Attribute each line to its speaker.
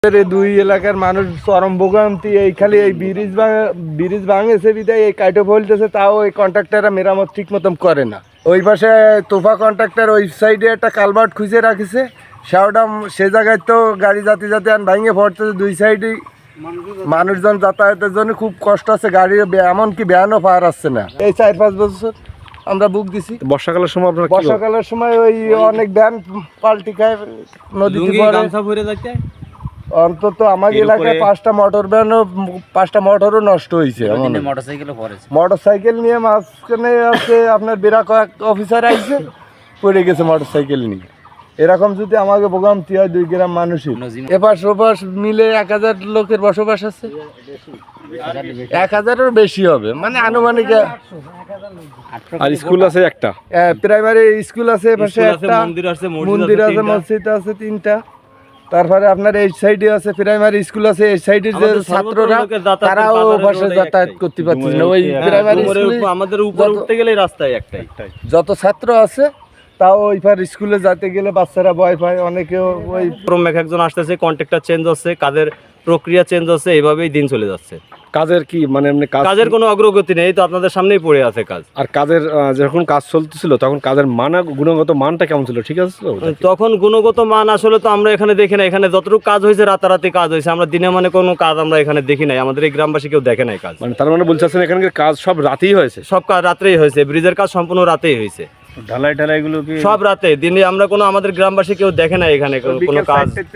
Speaker 1: এই দুই এলাকার মানুষ চরম ভোগান্তি। এই খালি এই ব্রিজ ভাঙেছে বিদায় এই কাইটো ফেলতেছে, তাও এই কন্ট্রাক্টররা মেরামত ঠিক মতন করে না। ওই পাশে তোফা কন্ট্রাক্টর ওই সাইডে একটা কালভার্ট খুঁজে রাখিছে, সেওটা সে জায়গায় তো গাড়ি যাতে আন ভাঙে পড়তেছে। দুই সাইডেই মানুষজন যাতায়াতের জন্য খুব কষ্ট আছে, গাড়ি এমনকি ভ্যানও পার আসছে না। এই 4-5 বছর আমরা বুক দিছি।
Speaker 2: বর্ষাকালের সময় আপনারা
Speaker 1: বর্ষাকালের সময় ওই অনেক ভ্যান পাল্টি খায় নদীতে পড়ে। অন্তত আমার এলাকায় 5টা মোটর ভ্যানও 5টা মোটরও নষ্ট হয়েছে। মোটরসাইকেল নিয়ে মাঝখানে আছে আপনার বেরা কয়েক অফিসার আইছে, পড়ে গেছে মোটরসাইকেল নিয়ে। এরকম যদি আমাকে ভোগান্তি হয় 2 গ্রাম মানুষের, এপাশ ওপাশ মিলে 1000 লোকের বসবাস আছে, 1000-এর বেশি হবে, মানে আনুমানিক।
Speaker 2: আর স্কুল আছে একটা,
Speaker 1: প্রাইমারি স্কুল আছে, পাশে একটা মন্দির আছে, মসজিদ আছে 3টা। তারপরে আপনার এই সাইডে আছে প্রাইমারি স্কুল আছে। এই সাইডের যে ছাত্ররা তারাও পাশে যাতায়াত করতে পারছে না। ওই প্রাইমারি স্কুলে
Speaker 3: আমাদের উপরে উঠতে গেলে রাস্তায় একটাই
Speaker 1: যত ছাত্র আছে, তাও ওই পার স্কুলে যেতে গেলে বাচ্চারা ভয় পায়। অনেকেও ওই
Speaker 3: একজন আসতেছে, কন্ট্রাক্টর চেঞ্জ হচ্ছে, কাজের প্রক্রিয়া চেঞ্জ হচ্ছে, এইভাবেই দিন চলে যাচ্ছে।
Speaker 2: কাজের কি মানে এমনি
Speaker 3: কাজের কোনো অগ্রগতি নেই, তো আপনাদের সামনেই পড়ে আছে কাজ।
Speaker 2: আর কাজের যখন কাজ চলতেছিল তখন কাজের গুণগত মানটা কেমন ছিল? ঠিক আছে,
Speaker 3: তখন গুণগত মান আসলে তো আমরা এখানে দেখি না। এখানে যতটুকু কাজ হয়েছে রাতারাতি কাজ হয়েছে, আমরা দিনে মানে কোনো কাজ আমরা এখানে দেখি নাই। আমাদের এই গ্রামবাসী কেউ দেখে নাই কাজ।
Speaker 2: মানে তার মানে বলছেন এখানকার কাজ সব রাতেই হয়েছে?
Speaker 3: সব কাজ রাত্রেই হয়েছে, ব্রিজের কাজ সম্পূর্ণ রাতেই হয়েছে।
Speaker 2: ঢালাই গুলো কি
Speaker 3: সব রাতে, দিনে আমরা কোনো আমাদের গ্রামবাসী কেউ দেখে নাই এখানে কোনো কাজ।